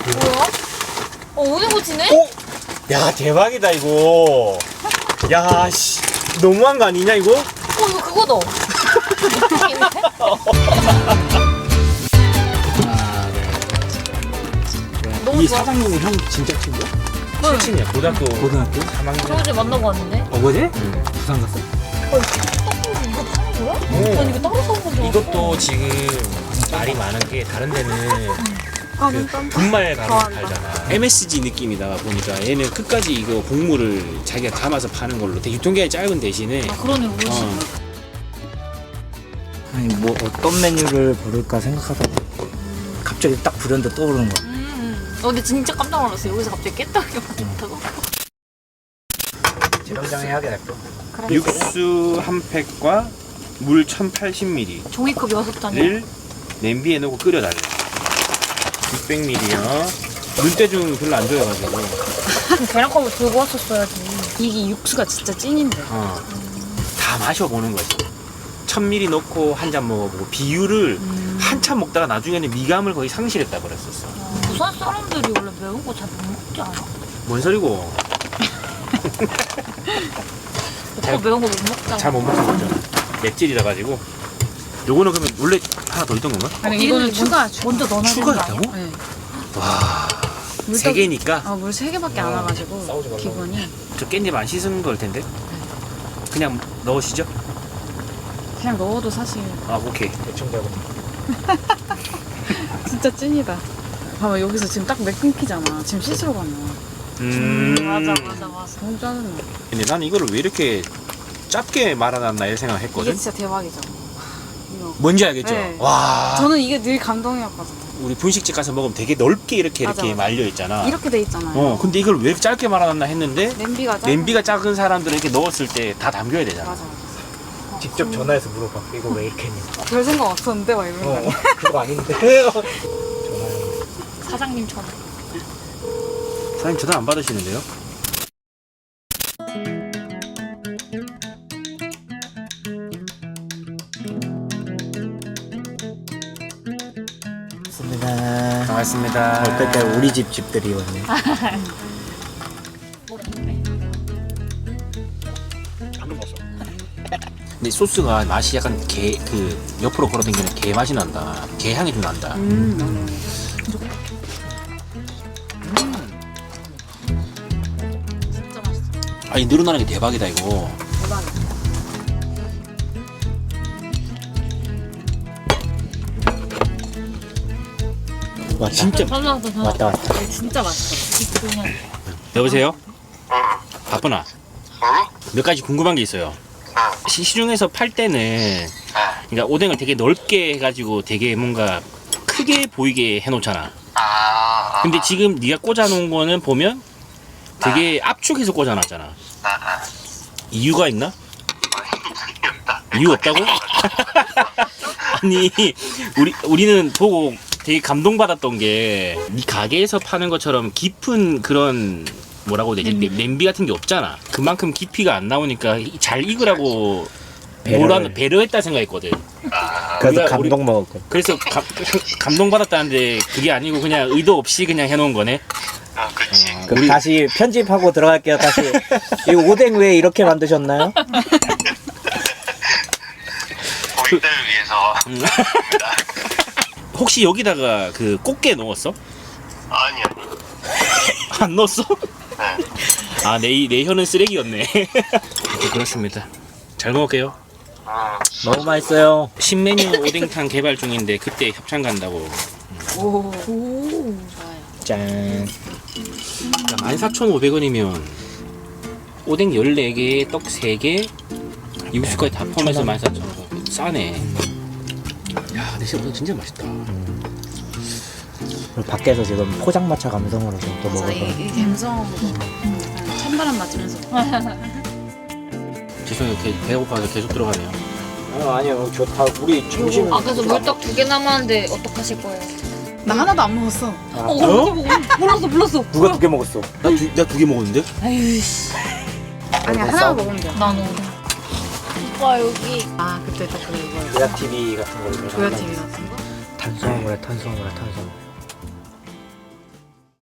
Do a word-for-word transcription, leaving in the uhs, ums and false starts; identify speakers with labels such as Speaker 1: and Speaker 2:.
Speaker 1: 뭐야? 어, 오뎅꼬치네?
Speaker 2: 오! 야, 대박이다, 이거. 야, 씨. 너무한 거 아니냐, 이거?
Speaker 1: 어, 이거 그거다.
Speaker 2: 아, 네.
Speaker 1: 너무
Speaker 2: 이
Speaker 1: 좋아.
Speaker 2: 사장님이 형 진짜 친구야?
Speaker 1: 네.
Speaker 2: 친친이야, 고등학교.
Speaker 3: 고등학교?
Speaker 2: 삼 학년.
Speaker 1: 저 어제 만나고 왔는데.
Speaker 3: 어거제?
Speaker 2: 응.
Speaker 3: 부산 갔어?
Speaker 1: 어, 떡볶이 이거 파는 거야?
Speaker 2: 오.
Speaker 1: 난 이거 따로 사온 건줄 알았어.
Speaker 2: 이것도 지금 말이 많은 게 다른 데는 그 분말 가루 팔잖아. 엠에스지 느낌이다 보니까 얘는 끝까지 이거 곡물을 자기가 담아서 파는 걸로 되게 유통기한이 짧은 대신에
Speaker 1: 아, 그러네. 우리
Speaker 2: 어.
Speaker 1: 어.
Speaker 3: 아니 뭐 어떤 메뉴를 부를까 생각하다가 갑자기 딱 불현듯 떠오르는 거야.
Speaker 1: 음. 어, 근데 진짜 깜짝 놀랐어. 여기서 갑자기 깼다고 만든다고.
Speaker 3: 재정장 해야게 될 거.
Speaker 1: 그래.
Speaker 2: 육수 한 팩과 물 천팔십 밀리리터를
Speaker 1: 종이컵 여섯 잔이야.
Speaker 2: 냄비에 넣고 끓여달래. 육백 밀리리터요. 눈대중 별로 안 좋아해가지고.
Speaker 1: 계란컵을 들고 왔었어야지. 이게 육수가 진짜 찐인데.
Speaker 2: 어. 다 마셔보는 거지. 천 밀리리터 넣고 한 잔 먹어보고 비율을
Speaker 1: 음.
Speaker 2: 한참 먹다가 나중에는 미감을 거의 상실했다 그랬었어.
Speaker 1: 어, 부산 사람들이 원래 매운 거 잘 못 먹지 않아?
Speaker 2: 뭔 소리고?
Speaker 1: 오빠 매운 거 못 먹잖아.
Speaker 2: 잘 못 먹는 거죠. 맵찔이라 가지고. 요거는 그러면 원래 하나 더 있던 건가?
Speaker 1: 아니, 이거는 추가. 먼저 넣어놔야 되는 거 아니야?
Speaker 2: 추가했다고?
Speaker 4: 네.
Speaker 2: 와. 세 개니까
Speaker 4: 아, 물 세 개밖에 안 와가지고
Speaker 3: 싸우지 말라고.
Speaker 4: 기분이
Speaker 2: 저 깻잎 안 씻은 걸 텐데. 그냥 넣으시죠?
Speaker 4: 그냥 넣어도 사실
Speaker 2: 아, 오케이.
Speaker 3: 대충 잡고.
Speaker 4: 진짜 찐이다. 봐봐 여기서 지금 딱 맥 끊기잖아. 지금 씻으러 가면
Speaker 2: 음.
Speaker 1: 맞아, 맞아, 맞아.
Speaker 4: 너무 짜증나.
Speaker 2: 근데 나는 이거를 왜 이렇게 짧게 말아놨나 이런 생각을 했거든.
Speaker 4: 이게 진짜 대박이죠. 이거.
Speaker 2: 뭔지 알겠죠?
Speaker 4: 네.
Speaker 2: 와.
Speaker 4: 저는 이게 늘 감동이었거든요.
Speaker 2: 우리 분식집 가서 먹으면 되게 넓게 이렇게
Speaker 4: 맞아,
Speaker 2: 이렇게
Speaker 4: 맞아.
Speaker 2: 말려 있잖아.
Speaker 4: 이렇게 돼 있잖아요.
Speaker 2: 어, 근데 이걸 왜 이렇게 짧게 말아놨나 했는데
Speaker 4: 냄비가 짧은
Speaker 2: 냄비가 작은 사람들은 이렇게 넣었을 때 다 담겨야 되잖아.
Speaker 4: 맞아.
Speaker 3: 직접 전화해서 물어봐. 이거 왜 이렇게 했니?
Speaker 4: 별 생각 없었는데 막 이러는 거
Speaker 3: 어,
Speaker 4: 아니야?
Speaker 3: 그거 아닌데. 전화해.
Speaker 1: 사장님 전화.
Speaker 2: 사장님 전화 안 받으시는데요?
Speaker 3: 맞습니다.
Speaker 2: 반갑습니다.
Speaker 3: 어떨 때 우리 집 집들이 왔네.
Speaker 2: 방금 먹었어. 근데 소스가 맛이 약간 게, 그 옆으로 걸어당기는 게 맛이 난다. 게 향이 좀 난다.
Speaker 4: 음.
Speaker 1: 진짜 맛있어.
Speaker 2: 아니 늘어나는 게 대박이다 이거.
Speaker 4: 대박이다.
Speaker 3: 왔다.
Speaker 2: 진짜.
Speaker 1: 전화 왔다, 전화
Speaker 3: 왔다 왔다.
Speaker 1: 왔다. 진짜 맛있어. 그냥.
Speaker 2: 여보세요? 바쁘나? 몇 가지 궁금한 게 있어요. 시- 시중에서 팔 때는 그러니까 오뎅을 되게 넓게 해가지고 되게 뭔가 크게 보이게 해놓잖아. 근데 지금 네가 꽂아놓은 거는 보면 되게 압축해서 꽂아놨잖아. 이유가 있나? 이유 없다고? 아니 우리 우리는 보고 되게 감동받았던 게 네 가게에서 파는 것처럼 깊은 그런 뭐라고 해야 되지?
Speaker 1: 냄비.
Speaker 2: 냄비 같은 게 없잖아. 그만큼 깊이가 안 나오니까 잘 익으라고
Speaker 3: 배려를.
Speaker 2: 뭐라 배려했다 생각했거든.
Speaker 3: 그래서
Speaker 2: 우리가-
Speaker 3: 감동 먹었고.
Speaker 2: 그래서 가, 감동받았다는데 그게 아니고 그냥 의도 없이 그냥 해놓은 거네.
Speaker 5: 아, 그치.
Speaker 3: 그럼 다시 편집하고 들어갈게요. 다시. 이 오뎅 왜 이렇게 만드셨나요?
Speaker 5: 고객들을 위해서.
Speaker 2: 음. 혹시 여기다가 그 꽃게 넣었어?
Speaker 5: 아니요.
Speaker 2: 안 넣었어?
Speaker 5: 네.
Speaker 2: 아, 내, 내 혀는 쓰레기였네. 네, 그렇습니다. 잘 먹을게요.
Speaker 5: 어,
Speaker 3: 너무 맛있어요.
Speaker 2: 신메뉴 오뎅탕 개발 중인데 그때 협찬 간다고.
Speaker 4: 오.
Speaker 1: 오.
Speaker 3: 짠.
Speaker 2: 만 사천 오백 원이면 오뎅 열네 개에 떡 세 개, 육수까지 다 포함해서 만 사천 원. 싸네. 야, 근데 진짜 오뎅 진짜 맛있다.
Speaker 3: 그리고 밖에서 지금 포장마차 감성으로 좀 또
Speaker 4: 맞아.
Speaker 3: 먹어서.
Speaker 4: 이, 이 감성으로 약간 찬바람 맞으면서.
Speaker 2: 죄송해요. 게- 배고파서 계속 들어가네요.
Speaker 3: 어, 아니요. 좋다. 우리 점심.
Speaker 1: 아, 그래서 물떡 두 개 남았는데 어떡하실 거예요?
Speaker 4: 나 하나도 안 먹었어.
Speaker 3: 아,
Speaker 1: 어, 어? 몰랐어, 몰랐어.
Speaker 3: 누가 두 개 먹었어?
Speaker 2: 나 두 나 두 개 먹었는데?
Speaker 1: 아유, 씨.
Speaker 4: 아니야 하나 먹으면 돼.
Speaker 1: 난 오늘. 오빠, 여기.
Speaker 4: 아 그때 딱 그거 이거.
Speaker 3: 조야 티비 같은 걸로.
Speaker 4: 조야 티비 같은 거?
Speaker 3: 탄수화물에 탄수화물에 탄수화물.